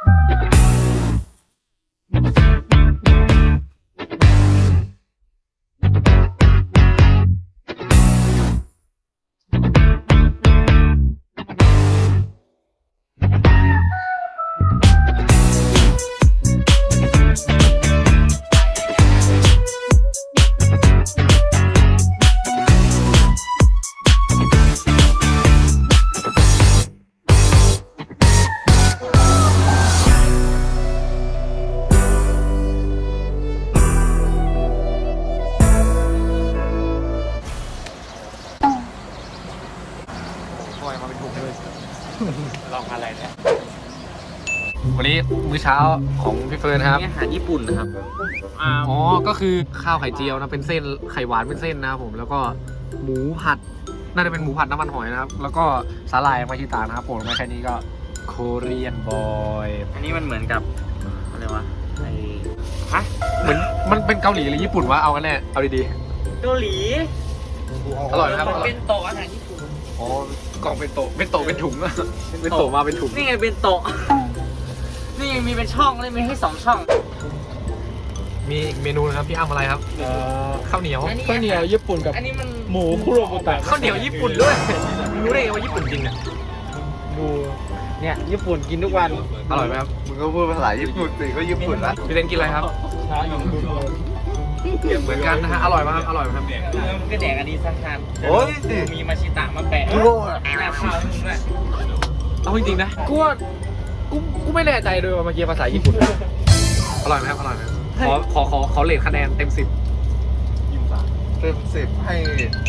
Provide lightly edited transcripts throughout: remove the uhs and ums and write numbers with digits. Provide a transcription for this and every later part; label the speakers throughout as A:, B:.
A: ลองอะไรเนี่ย
B: วันนี้มื้อเช้าของพี่เฟิร์นครับ
A: อาหารญี่ปุ่นนะครับ
B: อ๋อก็คือข้าวไข่เจียวนะเป็นเส้นไข่หวานเป็นเส้นนะครับผมแล้วก็หมูผัดน่าจะเป็นหมูผัดน้ำมันหอยนะครับแล้วก็สาหร่ายมาชิตานะครับผมมาแค่นี้ก็โคเรียนบอย
A: อันนี้มันเหมือนกับอะไรวะไอ้ฮะ
B: เหมือนมันเป็นเกาหลีหรือญี่ปุ่นวะเอากันแน่เอาดี
A: เกาหลี
B: ๆอร่อยนะครับ
A: เป็นโตะอาหารญี่ปุ่น
B: อ๋อกล่องเป็นโตเป็นถุงอะเป็นโตมาเป็นถุง
A: นี่ไงเป็นโตะนี่ยังมีเป็นช่องเลยมีให้2 ช่อง
B: มีอีกเมนูนะครับพี่อ้ำอะไรครับข้าวเหนียว
C: ข้าวเหนียวญี่ปุ่นกับ
A: อันนี้มัน
C: หมูคุโรบุตะ
B: ข้าวเหนียวญี่ปุ่นด้วยรู้ได้ไงว่าญี่ปุ่นจริงเนี่ย
C: ดูเนี่ยญี่ปุ่นกินทุกวัน
B: อร่อยไหมครับ
D: มึงก็พูดภาษาญี่ปุ่นสิก็ญี่ปุ่นละ
B: พี่เต้นกินอะไรครับ
C: ช้าอยู่ดูเลย
B: เหมือนกันนะฮะอร่อยมากครับอร่อยมากครับ
A: มันก็แดกอันนี้สักทาน
D: โอ้ยสิ
A: มีมาชิตะมาแปะ
D: โง่อะ
A: หน้าข้าวให้มึงด้วย
B: เอาจริงๆนะกูไม่แน่ใจเลยว่าเมื่อกี้ภาษาญี่ปุ่นอร่อยไหมครับอร่อยไหมขอเรทคะแนนเต็ม10
D: เต็ม10ให้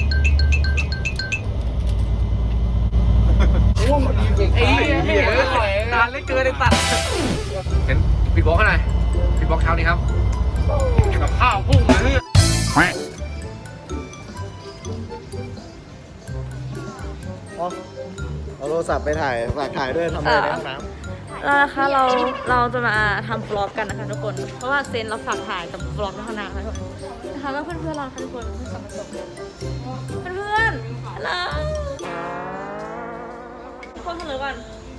B: ไอ้เหี้ยนานเหลยเกินไอ้ตัดเห็นปิดบล็อกให้หน่อยปิดบล็อกเช้านี้ครับกับข้าวพุ่งเลย
D: เอาโทรศัพท์ไปถ่ายฝากถ่ายด้วยทำอะไรในห้องน้
E: แล้วนะคะเราจะมาทำบล็อกกันนะคะทุกคน เพราะว่าเซนเราฝากถ่ายกับบล็อกในห้องน้ำนะคะนะคะก็เพื่อนๆเราค่ะทุกคนเพื่อนสองคนเพื่อนๆฮัลโหลทุกคนเฉลยก่อน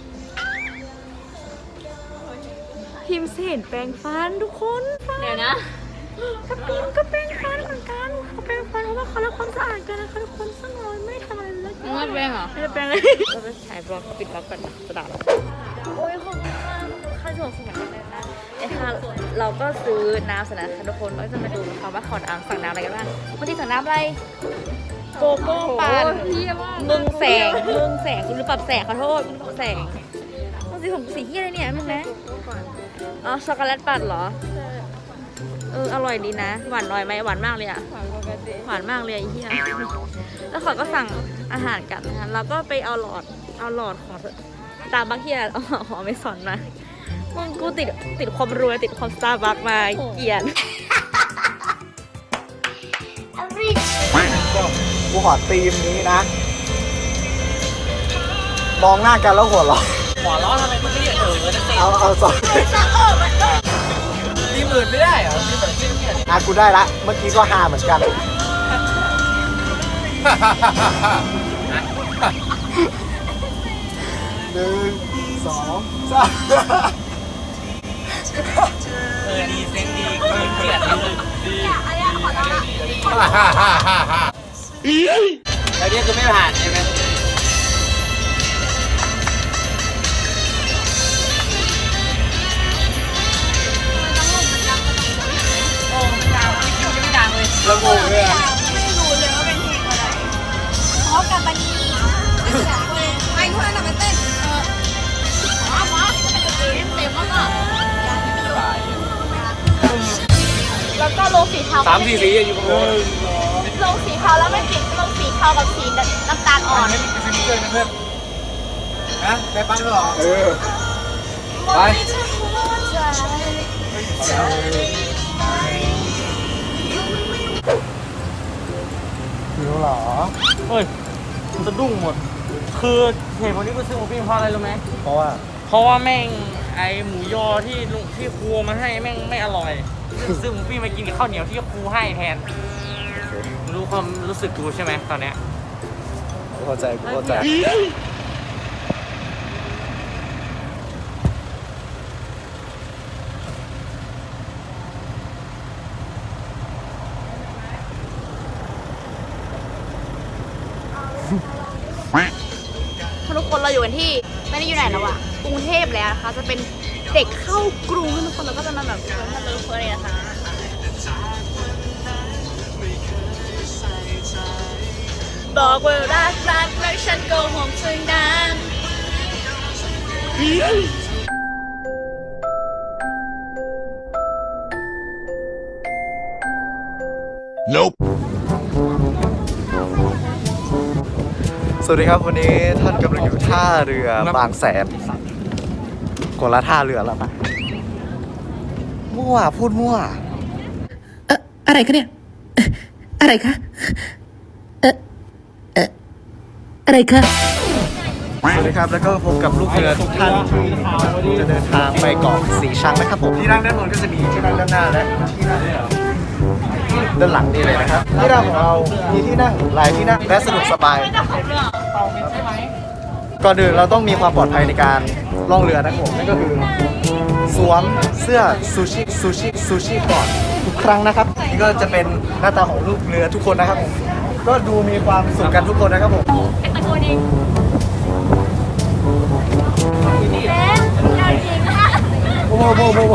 E: พิมพ์เสนแปรงฟันทุกคนเดี๋ยวนะกับพิมก็แปรงฟันเหมือนกันเขาแปรงฟันเพราะว่าเขารักความสะอาดกันนะคะทุกคนซึ่งเราไม่ทำอะไรเลยไม่แปรงเหรอไม่ได้แปรงเลยเราไปถ่ายบล็อกปิดบล็อกกันนะจะด่าเราโอ้ยขอบคุณมากค่าส่งสมัยเลยนะไอ้ค่ะเราก็ซื้อน้ำเสร็จแล้วค่ะทุกคนเราจะมาดูนะคะว่าขอน้ำสั่งน้ำอะไรกันบ้างวันที่สั่งน้ำอะไรโกโก้ปั่นมึงแสงคุณหรือปรับแสงขอโทษมึงปรับแสงมึงสีผมสีที่อะไรเนี่ยมึงนะอ๋อช็อกโกแลตปั่นเหรออร่อยดีนะหวานน้อยไหมหวานมากเลยอะหวานมากเลยไอ้เหี้ยแล้วเขาก็สั่งอาหารกันนะคะเราก็ไปเอาหลอดของตาบักเฮียเอาหอมไม่สอนมามึงกูติดความรวยติดความสตาร์บัคมาเกลียด
D: ำกูขอธีมนี้นะ มองหน้ากันแล้วหัวเราะ
A: หัวล้อทำไมมึงไม่เรียกเลยจะเตะ
D: เอาสอง
A: ทีมอื่นไม่ได้เหรอทีมแบบทีมเนี่ย
D: กูได้ละ เมื่อกี้ก็ฮาเหมือนกันหนึ่งสองสาม
A: ดีเซ็งดีทีมเกลียดเลยแล้วนี่คือไม่ผ่านใช่ไหมโอ้มันดังไม่คิวจะไม่ดังเลย
D: ระงงเลยอะ
E: ไม่รู้เลยว่าเป็นเพลงอะไรเพราะกับบันนี่ไอ้พวกนั้นมันเต้นหมอเต็มแล้วก็แล้วก็โลสีเทา
B: 3 4 สีอยู่บนโต๊ะ
E: โลสีเทาแล้วไม่ติดโลสีเทากับสีน้ำตาลอ่อน
B: ไม่มีซื้อนี่เลยนะเพื่อน
D: ฮะได้ปั้นแล้วเหรอ
B: ไป
D: หิวเหรอ
A: เฮ้ยมันสะดุ้งหมด คือเหตุผลที่กูซื้อหมูปิ้งเพราะอะไรรู้ไหม
D: เพราะว่า
A: เพราะว่าแม่งไอหมูยอที่ลุงที่ครูมาให้แม่งไม่อร่อย ซื้อหมูปิ้งมากินกับข้าวเหนียวที่ครูให้แทน รู้ความรู้สึกกูใช่ไหมตอนเนี้ย
D: กูเข้าใจกูเข้าใจ
E: ทุกคนเราอยู่กันที่ไม่ได้อยู่ไหนแล้วอะกรุงเทพแล้วนะคะจะเป็นเด็กเข้ากรุงทุกคนเราก็จะมาแบบมาเลิฟเพื่อนเลยนะคะบอกว่ารักแล้วฉันโกหกถึงนั้น
D: สวัสดีครับวันนี้ท่านกำลังอยู่ท่าเรือบางแสนคนละท่าเรือแล้วปะมั่วพูดมั่ว
F: อะไรคะเนี่ย อะไรคะ อะไรคะ
D: สวัสดีครับแล้วก็พบกับลูกเรือทุกท่านที่จะเดินทางไปเกาะสีชังนะครับผมที่นั่งด้านบนก็จะมีที่นั่งด้านหน้าและที่นั่งด้านหลังนี่เลยนะครับที่นั่งของเรามีที่นั่งหลายที่นั่งและสะดวกสบายก่อนอื่นเราต้องมีความปลอดภัยในการล่องเรือนะครับผมนั่นก็คือสวมเสื้อซูชิก่อนทุกครั้งนะครับนี่ก็จะเป็นหน้าตาของลูกเรือทุกคนนะครับผมก็ดูมีความสุขกันทุกคนนะครับผม
E: ตะโกนเองเอ๊ะเราจริงค่ะ
D: โอ้โห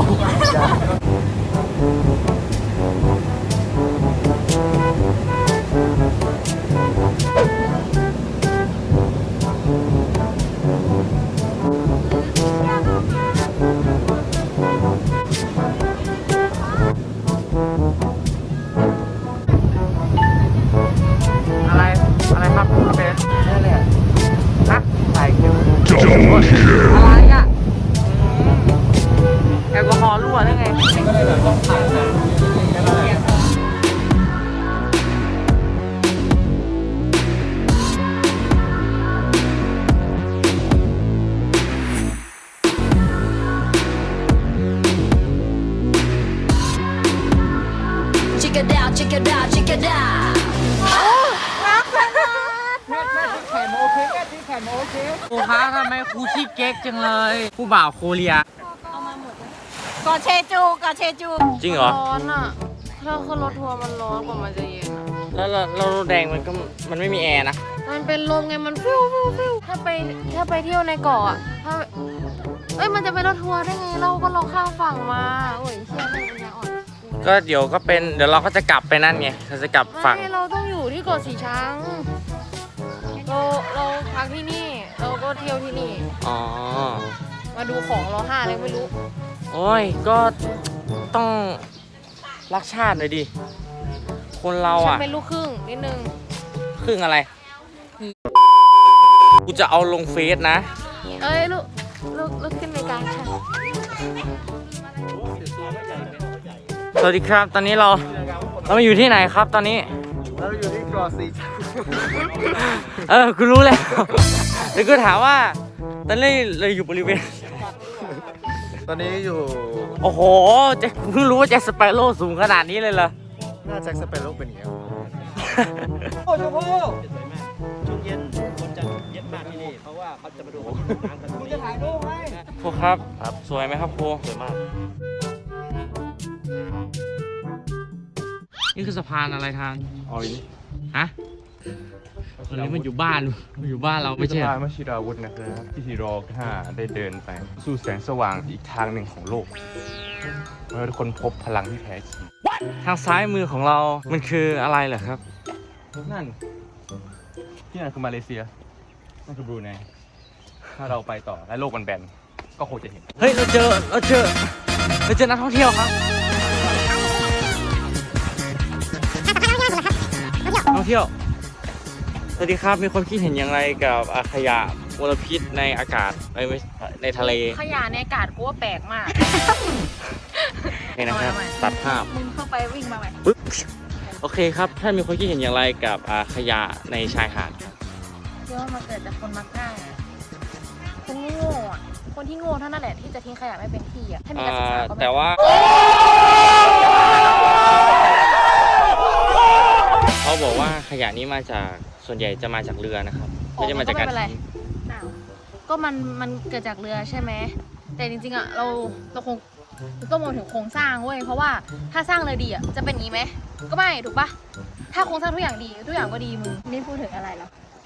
B: อะไรครับคุณเบส
D: นั่นแหละ
B: ฮะ
D: ถ่ายคลิป
B: อะไรอ่ะแอลกอฮอล์รั่วได้ไง
F: Check it out, check it out, check it out
A: ครูคะทำไมครูขี้เก๊กจังเลยครูบ่าวโคเรีย
E: กอเชจูกอเชจู
A: จริงเหรอ
G: ร้อนอ่ะ ถ้าขึ้นรถทัวร์มันร้อนกว่ามันจะเย็นอ่ะ
A: แล้วรถแดงมันไม่มีแอร์นะ
G: มันเป็นลมไง มันฟิวถ้าไปเที่ยวในเกาะอ่ะมันจะเป็นรถทัวร์ได้ไง เราก็เราข้ามฝั่งมาโอ้ยเชี่ยไม่เป็นยาอ่อน
A: ก็เดี๋ยวเราก็จะกลับไปนั่นไงเราจะกลับฝั่ง
G: ไม่เราต้องอยู่ที่เกาะสีชัง เราพักที่นี่ เราก็เที่ยวที่นี่
A: อ๋อ
G: มาดูของเราห้าเลยไม่รู้
A: โอ้ยก็ต้องรักชาติหน่อยดิ คนเรา
G: ฉัน
A: อ่ะ
G: เป็นลูกครึ่งนิดนึง
A: ครึ่งอะไร กูจะเอาลงเฟซนะ
G: เอ้ยลูกขึ้นในกลางค่ะ
A: สวัสดีครับ ตอนนี้เรามาอยู่ที่ไหนครับตอนนี้
D: เราอยู่ที่เกาะสีชัง
A: กูรู้แล้วเดี๋ยวกูถามว่า ตอนนี้เราอยู่บริเวณ
D: ตอนนี้อยู่
A: โอ้โหแจ็คเพิ่งรู้ว่าแจ็คสเปโร่สูงขนาดนี้เลยเหรอ
D: หน้าแจ็คสเปโร่เป็นอย่างเงี้ย
A: ครูครับ สวยไหมครับครูสวยมาก นี่คือสะพานอะไรทางอ๋อนี่ฮะตอนนี้มันอยู่บ้านเราไม่ใช่เหรอ
H: วชิราวุธนะครับที่ทีรอ5ได้เดินไป สู่แสงสว่างอีกทางหนึ่งของโลกเมื่อทุกคนพบพลังที่แท้จริง
A: ทางซ้ายมือของเรา มันคืออะไรเหรอครับ
H: นั่น ที่นั่นคือมาเลเซีย นั่นคือบรูไนถ้าเราไปต่อและโลกมันแบนก็คงจะเห็น
A: เฮ้ย เราเจอนักท่องเที่ยวครับนักท่องเที่ยว สวัสดีครับ มีความคิดเห็นอย่างไรกับขยะมลพิษในอากาศในทะเล
G: ขยะในอากาศกูว่าแปลกมาก
A: นี่นะครับ ตัดภาพ
E: มึงเข้าไปวิ่งมาใหม่
A: ปึ๊บโอเคครับ ท่านมีความคิดเห็นอย่างไรกับขยะในชายหาดครับ
G: เชื่อว่ามันเกิดจากคนมักง่ายอะคนโง่อะคนที่โง่เท่านั้นแหละที่จะทิ้งขยะไม่เป็นที่อ่ะ ถ้ามีการศึกษาก็ไม่
A: แต่ว่า เขาบอกว่าขยะนี้มาจากส่วนใหญ่จะมาจากเรือนะครับไม่ได้มาจากการ
G: ไม่เป็นไร
A: ทิ้ง
G: อ้าวก็มันเกิดจากเรือใช่ไหม แต่จริงๆอ่ะเราคงต้องมองถึงโครงสร้างเว้ย เพราะว่าถ้าสร้างเลยดีอ่ะจะเป็นอย่างนี้ไหม ก็ไม่ถูกปะถ้าโครงสร้างทุกอย่างดีทุกอย่างก็ดีมึง
E: นี่พูดถึงอะไรเหรอ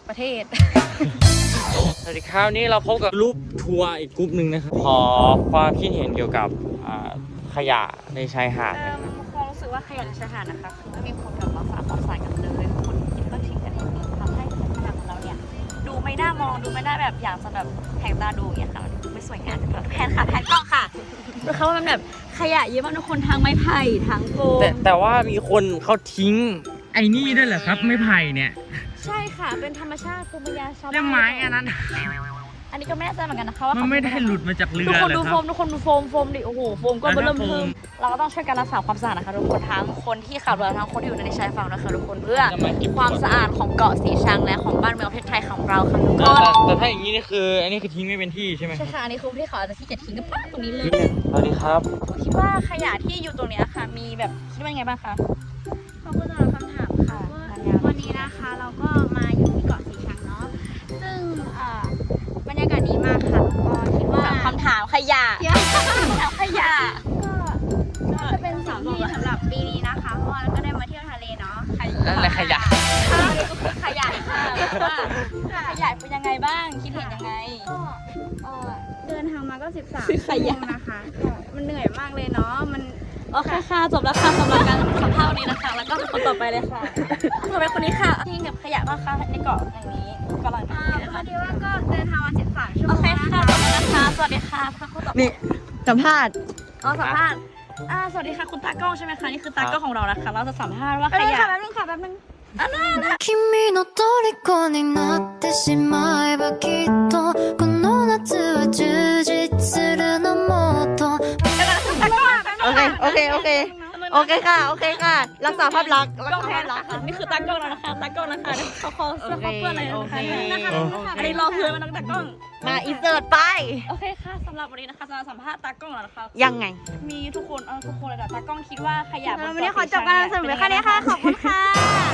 E: ประเทศ
A: สวัสดีครับนี่เราพบกับรูปทัวร์อีกกลุ่มหนึ่งนะครับขอความคิดเห็นเกี่ยวกับขยะในชายหาดนะครับ
E: ความรู้สึกว่าขยะในชายหาดนะคะคือไม่มีคนกลับมาฝากความสะอาดกันเลยคนกินก็ทิ้งกันเองทำให้ชายหาดของเราเนี่ยดูไม่น่ามองดูไม่น่าแบบอยากจะแบบแหกตาดูอย่างเงี้ยค่ะดูไม่สวยงามแพนค่ะแพนกล้องค่ะดูเขาว่ามันแบบขยะเยอะมากทุกคนทางไม้ไผ่ทางโฟม
A: แต่ว่ามีคนเขาทิ้งไอ้นี่ด้วยเหรอครับไม่ไผ่เนี่ย
E: ใช่ค่ะเป็นธรรมชาติภูมิปัญญาชาวบ้าน
A: เรื่องไม้อันนั้น
E: อันนี้ก็ไม่แน่ใจเหมือนกันนะคะว่า
A: มันไม่ได้หลุดมาจากเรือ
E: ทุกคน
A: เหร
E: ดู
A: อ
E: โฟ
A: ครับ
E: มทุกคนดูโฟมดิโอ้โหโฟมก็
A: อันนั้น
E: เริ่ม
A: โฟ
E: เทิ
A: ม
E: มเราก็ต้องช่วยกันรักษาความสะอาดนะคะทุกคนทั้งคนที่ขับเรือทั้งคนที่อยู่ในชายฝั่งนะคะทุกคนเพื่อความสะอาดของเกาะสีชังและของบ้านเมืองประเทศไทยของเราค่ะทุกคน
A: แต่ถ้าอย่างนี้นี่คืออันนี้คือทิ้งไม่เป็นที่ใช่ไหมค
E: ใช่
A: รับ
E: ค่ะอันนี้คือที่เขาอาจจะที่จะทิ้งกันป้าตรงนี้เลย
A: สวัสดีครับ
E: คิดว่าขยะที่อยู่ตรงเนี้ยค่ะ มีแบบคิดว่าไงบ้างคะ
I: ขอบคุณสำหรับคำถามค่ะวันนี้นะคะเราก็มาอยู่ที่เกาะสีชังเนาะซึ่งบรรยากาศดีมากค่ะก็คิดว่า
E: คำถามขยะถามขยะ
I: ก็จะเป็นสิ่งที่สำหรับปีนี้นะคะเพราะว่าเราก็ได้มาเที่ยวทะเลเนาะ
A: นั่นแหละขยะ
E: ขยะค่ะว่าขยะเป็นยังไงบ้างคิดเห็นยังไง
I: ก็เดินทางมาก็13
E: ซื้อข
I: ชั่วโม
E: ยะ
I: งนะคะก็มันเหนื่อยมากเลยเนาะมัน
E: โอเคค่ะจบแล้วค่ะสำหรับการสัมภาษณ์วันนี้นะคะ แล้วก็คนต่อไปเลยค่ะต่อไปคนนี้ค่ะที่เก็บขยะบ้างคะในเกาะแห่งนี้กำลัง
I: พอดีว่าก็เดินทางมา13ชั่วโม
E: โอง เคค่ะ
I: นะคะ
E: จบแล้วนะคะสวัสดีค่ะคนต่อไป
G: นี่สัมภาษณ์
E: อ๋อสัมภาษณ์สวัสดีค่ะคุณตากล้องใช่ไหมคะนี่คือตากล้องของเรานะคะเราจะสัมภาษณ์ว่าขยะ
I: แป๊บนึงค่ะแป๊บนึง
F: 君の虜になってしまえばきっとこの夏は充実するのもっと
G: โอเคโอเคโอเคโอเคค่ะโอเคค่ะ รักษาภาพลักษณ์รัก
E: กล้อง
G: ษา
E: แท
G: ภาน พลักษณ์
E: นี่คือตากล้องเรานะคะตากล้องนะคะเขาเสื้อเขาเปื้อนอะไรนะคะอันนี้รอเพื่อนมาตั้งแต่กล้อง
G: มาอินเสิร์ตไป
E: โอเคค่ะสำหรับวันนี้นะคะจะสัมภาษณ์ตากล้องแล้วนะคะ
G: ยังไง
E: มีทุกคนทุกคนเลยแต่ตากล้องคิดว่าขยะบน
I: วันนี้ขอจบการนำเสนอแค่นี้ค่ะขอบคุณค่ะ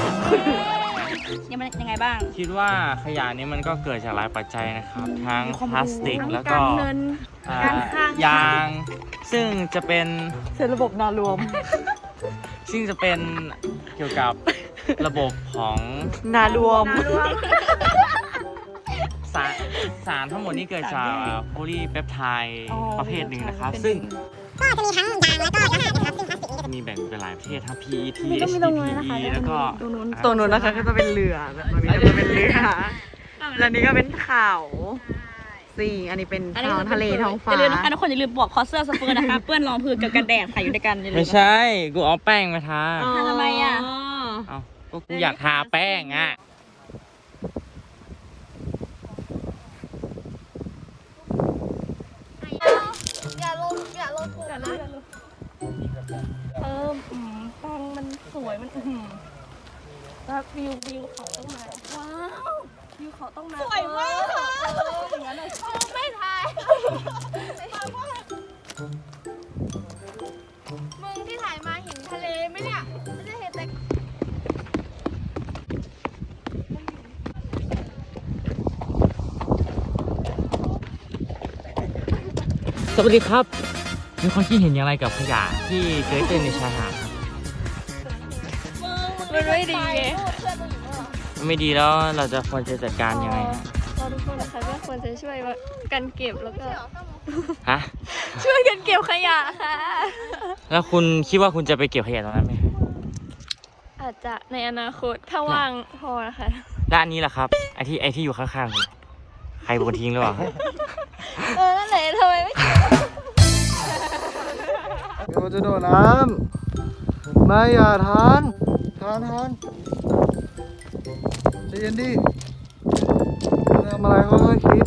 E: ยังไงบ้าง
A: คิดว่าขยะนี้มันก็เกิดจากหลายปัจจัยนะครับ ทั้งพลาสติกแล้วก็
I: การเงิน การคลัง
A: ยาง ซึ่งจะเป็น
G: เสร็จระบบนารวม
A: ซึ่งจะเป็นเกี่ยวกับระบบของ
G: นารวม
A: สารทั้งหมดนี้เกิดจากโพลีเปปไทด์ประเภทหนึ่งนะครับ ซึ่งก็จะมีทั้งยางแล้วก็อาหารนะครับซึ่งพลาสติกนี้จะมีแบ่งเป็นหลายประเภททั้ง PET HDPE แล้วก็
G: ตัวนู้นนะคะก็จะเป็นเรือตัวนี้ก็จะเป็นเรือแล้วนี้ก็เป็นเขาสี่อันนี้เป็นท้องทะเลท้องฟ้า
E: อย่าลืมนะคะทุกคนอย่าลืมบอกคอเสื้อสเปอร์นะคะเปื้อนรองพื้นกับกันแดดค่ะอยู่ด้วยกันอย่าลื
A: ไม่
E: ม
A: ใช่ กูเอาแป้งมาทา
E: ทำไมอ่ะ
A: เอาก็กูอยากทาแป้งอ่ะ
I: อย่าลงถูกนะ
E: แป้งมันสวยมันแล้ววิวเขาต้องมาว้าววิวเขาต้องมาสวยมากค่ะอย่างนั้นเลยไม่ถ่าย
I: มึงที่ถ่ายมาเห็นทะเลไหมเนี่ยไม่ได้เห็นแต่
A: สวัสดีครับ มีความคิดเห็นอย่างไรกับขยะที่เกิดขึ้นในชายหาดครับ
E: มันไม่ดีไง
A: ไม่ดีแล้วเราจะควรจะจัดการยังไงฮะ
I: เราทุกคนนะคะก็ควรจะช่วยกันเก็บแล้วก็
A: ฮะ
I: ช่วยกันเก็บขยะค่ะ
A: แล้วคุณคิดว่าคุณจะไปเก็บขยะตรงนั้นไหม
I: อาจจะในอนาคตถ้าว่างพอนะคะ
A: ด้านนี้แหละครับ ไอที่อยู่ข้างๆคุณใครเป็นคนทิ้งหรือเปล่า
I: นั่นแหละทำไมไม่
D: เดี๋ยวจะโดดน้ำไม่อย่าทานใจเย็นดิทำอะไรค่อยๆคิด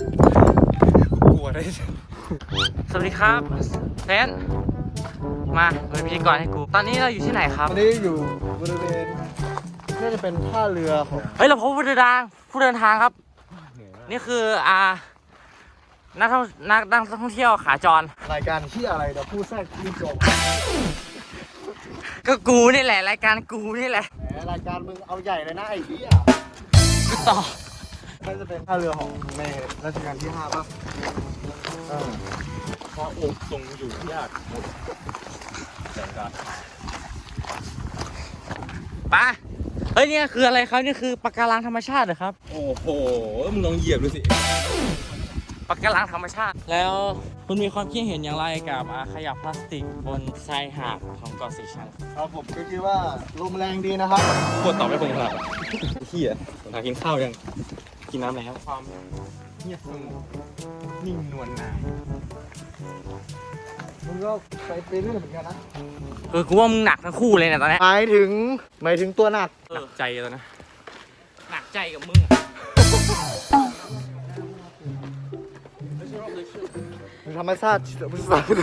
A: สวัสดีครับแฟนมาเป็นพิธีกรให้กู ตอนนี้เราอยู่ที่ไหนครับ
D: อันนี้อยู่บริเวณน่าจะเป็นท่าเรือของ
A: เฮ้ยเราพบผู้เดินทางครับ นี่คือนักท่องเที่ยวขาจร
D: รายการที่อะไรเดี๋ยวพูดแทรกพูดจบ
A: ก็กูนี่แหละรายการกูนี่แหละ
D: แหมรายการมึงเอาใหญ่เลยนะไอ้เหี้ย
A: กูต่อ
D: น่าจะเป็นท่าเรือของในรัชกาลที่5ป่ะพระองค์ทรงอยู่ที่อาจ
A: ไปเฮ้ยเนี่ยคืออะไรครับนี่คือปะการังธรรมชาติเหรอครับ
H: โอ้โห มึงลองเหยียบดูสิ
A: ปะการังธรรมชาติ แล้วคุณมีความคิดเห็นอย่างไรกับขยะพลาสติกบนชายหาดของเกาะสีชัง
D: ครับผมก็คิดว่าลมแรงดีนะครับ
H: ปวดตอบไม่คงครับเฮียหากินข้าวยัง กินน้ำแล้ว
C: ความเงียบสงบนิ่งนวลนาย
D: มึงก็ไปเรื่อยเหมือนกันนะ
A: กูว่ามึงหนักทั้งคู่เลยเนี่ยตอนนี้
D: หมายถึงตัวหนัก
H: หนักใจแล้วนะ
A: หนักใจกับมึง
D: ธรรมชาติธรร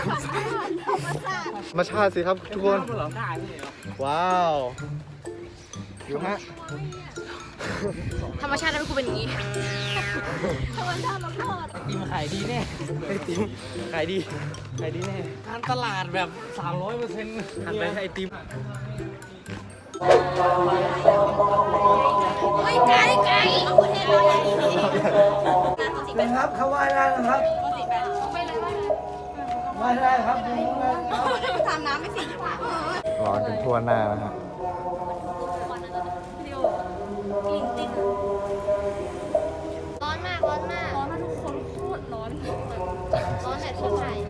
D: มชาติสิครับทุกคน ว้าวอยู่ฮะ
G: ธรรมชาติแล้วกูเป็นอย่างนี้
A: ติมขายดีแน่ไอติมขายดีแน่การตลาดแบบ 300%หันไปให้ไอติม
D: เป็นครับเขาไหว้ได้นะครับไหว้ได้ครับทำน้ำไม่สิร้อนกันทั่วหน้านะฮะ
F: ร้อนมาก ร้อนมาก ร้อนมากทุกคนโคตรร้อน ร้อนแบบที่ไทย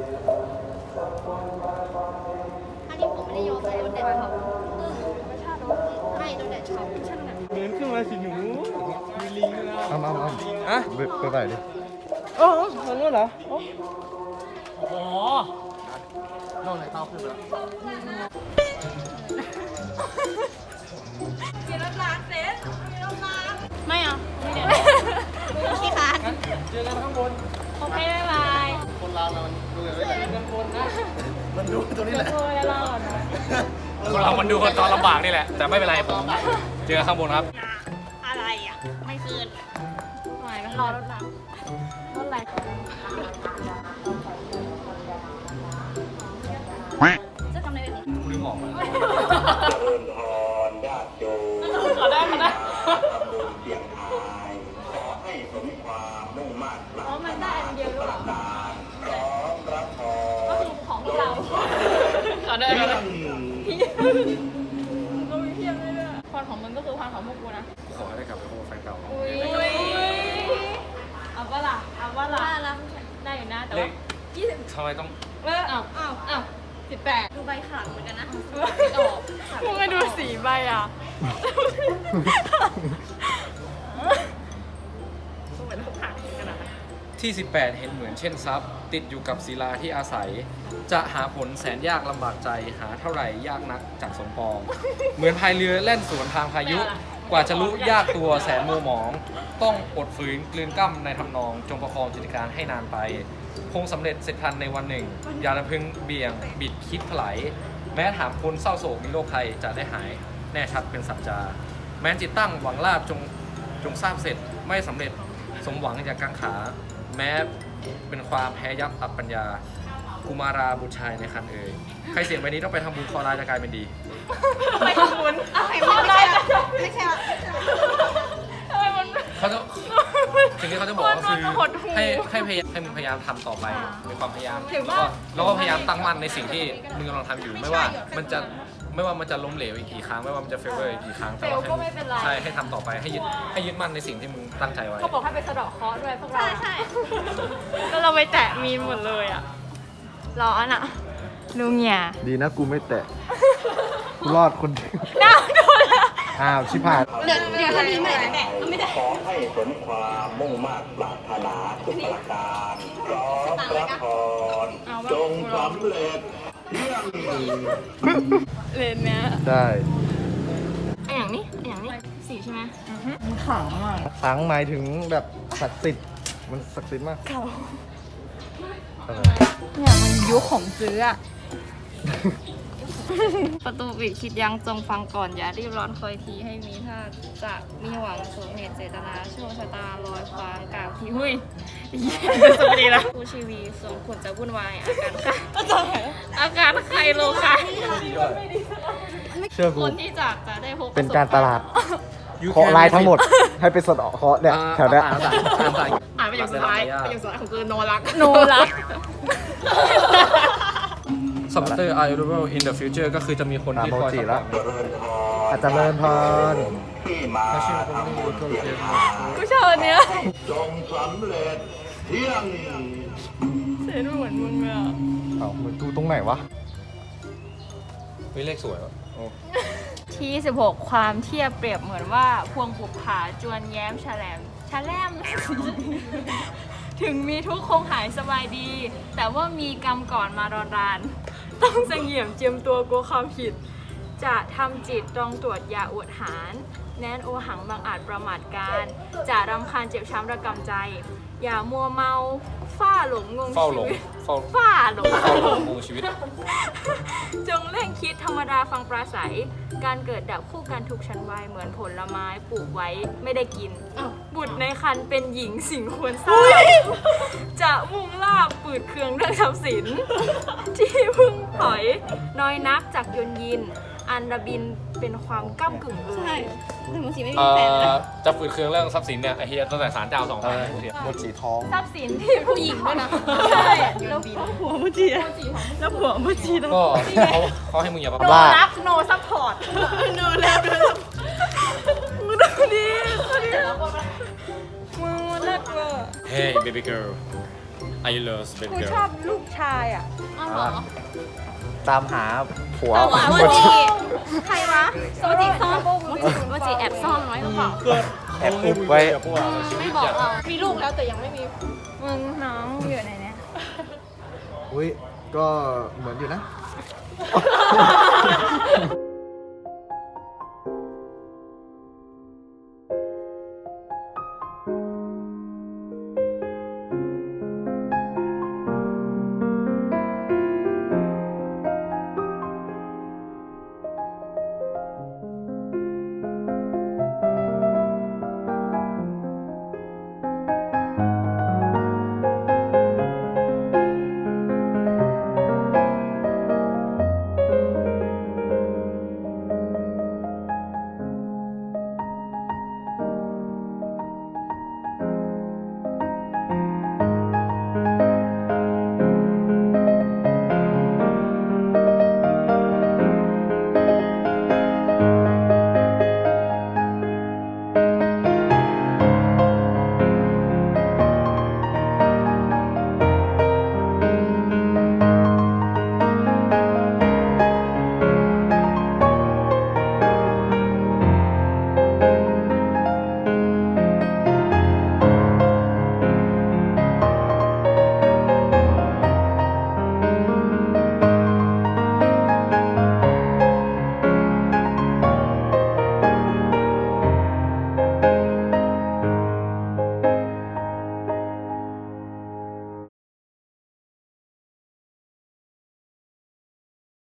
F: อันนี้ผมไม่ได้ยอมเลยโดนแดดเผาไม่โดนแดดเผาช่างหนัก
C: เดินขึ้นมาสิหนูมีลิงด้วยนะ
D: เอา
A: ฮะ
D: ไปไปดิ
C: อ๋อทางนู้นเหรอ
A: โอ้โหโน่นไหนเต้าขึ้นไปแล้ว
G: ไม่เอาไม่เดี๋ยวขี้คาน
A: เจอกันข้างบน
G: โอเคบ๊ายบาย
D: คนเรามันดูอย่างนี้แหละ
A: ข้างบนนะ
D: มันดูตรงนี้แหละ
G: โอ้ยรอดนะ
H: คนเรามันดูคนตอนลำบากนี่แหละ แต่ไม่เป็นไรผมเจอกันข้างบนครับ
G: อะไรอ่ะ ไม่คืนหน่อยมันรอรถหลังรถอะไรจะทำอะไรแบบนี้
H: ลืมบอกมา
G: ขอได้ขอได้อ๋อมันได้อันเดียวด้วยเหรอก็คือของพวกเราขอได้ขอได้ก็มีเพียบเลยด้วยพรของมึงก็คือพรของพวกกูนะ
B: ขอให้ได้กลับไปพบกับแฟนเก่า
G: อุ้ยเอาปะล่ะได้อยู่นะแต่ว่า
B: ทำไมต้อง
G: อ้าว18ดูใบขลังเหมือนกันนะมึงมาดูสีใบอ่ะ
B: ที่ 18 เห็นเหมือนเช่นทรัพย์ ติดอยู่กับศิลาที่อาศัย จะหาผลแสนยากลำบากใจหาเท่าไหร่ยากนักจากสมปอง เหมือนพายเรือแล่นสวนทางพายุ กว่าจะรู้ยากตัวแสนมัวหมอง ต้องอดฝืนกลืนกล้ำในทำนอง จงประคองจิตการให้นานไป คงสำเร็จเสร็จทันในวันหนึ่ง อย่าละพึงเบี่ยงบิดคิดถลายแม้ถามคนเศร้าโศกมีโรคภัยจะได้หายแน่ชัดเป็นสัจจา แม้จิตตั้งหวังลาบจงทราบเสร็จไม่สำเร็จสมหวังอย่างกังขา แม้เป็นความแพ้ยับอับปัญญากุมาราบุตรชายในคันเอ่ยใครเสียงใบนี้ต้องไปทำบุญคอร้ายจะกลายเป็นดี
G: ไปทำบุญเอาใครมาไม่ใช่
B: เขาจะสิ่งที่เขาจะบอกก็คือให้มึงพยายามทำต่อไปมีความพยายามแล้วก็พยายามตั้งมั่นในสิ่งที่มึงกำลังทำอยู่ไม่ว่ามันจะล้มเหลวอีกกี่ครั้งไม่ว่ามันจะเฟลเวอร์อีกกี่ครั้งแต่ว่าใช่ให้ทำต่อไปให้ยึดมั่นในสิ่งที่มึงตั้งใจไว้
G: เขาบอกให้ไปสะเดาะเคราะห์ด้วยพวกเราใช่แล้วเราไปแตะมีนหมดเลยอ่ะร้อนอ่ะลุงเนี่ย
D: ดีนะกูไม่แตะ กูรอดคนเดียว
G: น้าโดนละ
D: อ้าวชิบหาย
G: เดี๋ยวถ้ามีไม่แตะไม่ได้
J: ขอให้สมความมุ่งมั่นปรารถนาทุกประการพร้อมรับพรจงสำเร็จเรื่อง
G: เลนเนี้ย
D: ได้
G: ไออย่างนี้สีใช่ไหม
D: สังหมายถึงแบบศักดิ์สิทธิ์มันศักดิ์สิทธิ์มากเก่า
G: เนี่ยมันยุคของซื้ออะ ประตูปิดคิดยังจงฟังก่อนอย่ารีบร้อนคอยทีให้มีถ้าจะมีหวังสมเหตุเจตนาโชคชะตาลอยฟ้ากล่าวที่หุ้ยสวัสดีนะผู้ชีวีสมควรจะวุ่นวายอาการใครโลคะ
D: เชื่อกู
G: คนที่จากจะได้พบ
D: เป็นการตลาดเคาะลายทั้งหมด ให้ไปสะเดาะเคาะเนี่ยแถวเนี้ย
G: อ่านไปอย่างสุดท้ายของคือโนรัก
B: Supporter are available in the future ก็คือจะมีคนที่คอย
D: โมจิแล้ว
J: เจริญพร
D: อาจจะเลินพร
J: ที่มาทำบุญเทียนทาน
G: กูชอบอันเนี้ย
J: จงสำเร็จเที่ยง
G: เสียงเหมือนมึงเลยอ่ะ
D: เอ้ามันดูตรงไหนวะ
B: เฮ้ยเลขสวยวะ
G: ที่ 16 ความเทียบเปรียบเหมือนว่าพวงบุปผาจวนแย้มแฉลม ถึงมีทุกข์คงหายสบายดี แต่ว่ามีกรรมก่อนมารอนราน ต้องเสงี่ยมเจียมตัวกลัวความผิด จะทำจิตตรองตรวจอย่าอวดหาร แน้นโอหังบางอาจประมาทการ จะรำคาญเจ็บช้ำระกำใจ อย่ามัวเมาฝ้าหลงงง
B: เฝ้า
G: ชี
B: หลง
G: วิต
B: เฝ้า
G: ฝ้าหลง
B: งงชีวิต
G: จงเร่งคิดธรรมดาฟังปราศัย การเกิดดับคู่กันทุกชั้นวัยเหมือนผลไม้ปลูกไว้ไม่ได้กิน บุตรในครรภ์เป็นหญิงสิ่งควรทราบจะมุ่งลาบปืดเคืองเรื่องทรัพย์สิน ที่พึ่งถอยน้อยนักจากยนยิน อันระบินเป็นความก้ำกึ่งใช่ถึงบางทีไม่มีแฟนเลย
B: จะฝืดเคืองเรื่องทรัพย์สินเนี่ยไอ้เฮียตั้งแต่ศาลเจ้า2 พัน
D: หมดสีทอง
G: ทรัพย์สินที่ผู้หญิงด้วยนะใช่แล้วผัวมุจีแล้วผัวมุจีแล้ว
B: ก็เขาให้มึงอย่าประ
G: โน
B: มาท
G: รักโนซัพพอร์ตโนแล้วมึงดูดิมึงเลิศเวอร์
B: Hey baby girl I love baby
G: กู
B: girl
G: ชอบลูกชายอ่ะอ้าวเหรอ
D: ตามหาผัว
G: โมจิใครวะโมจิซ่อนโมจิแอบซ่อนไว้หรือเปล่า
D: แอบอุบไว้
G: ไม่บอกเรามีลูกแล้วแต่ยังไม่มีมึงน้องอยู่ไหนเนี่ย
D: อุ้ย ก็เหมือนอยู่นะ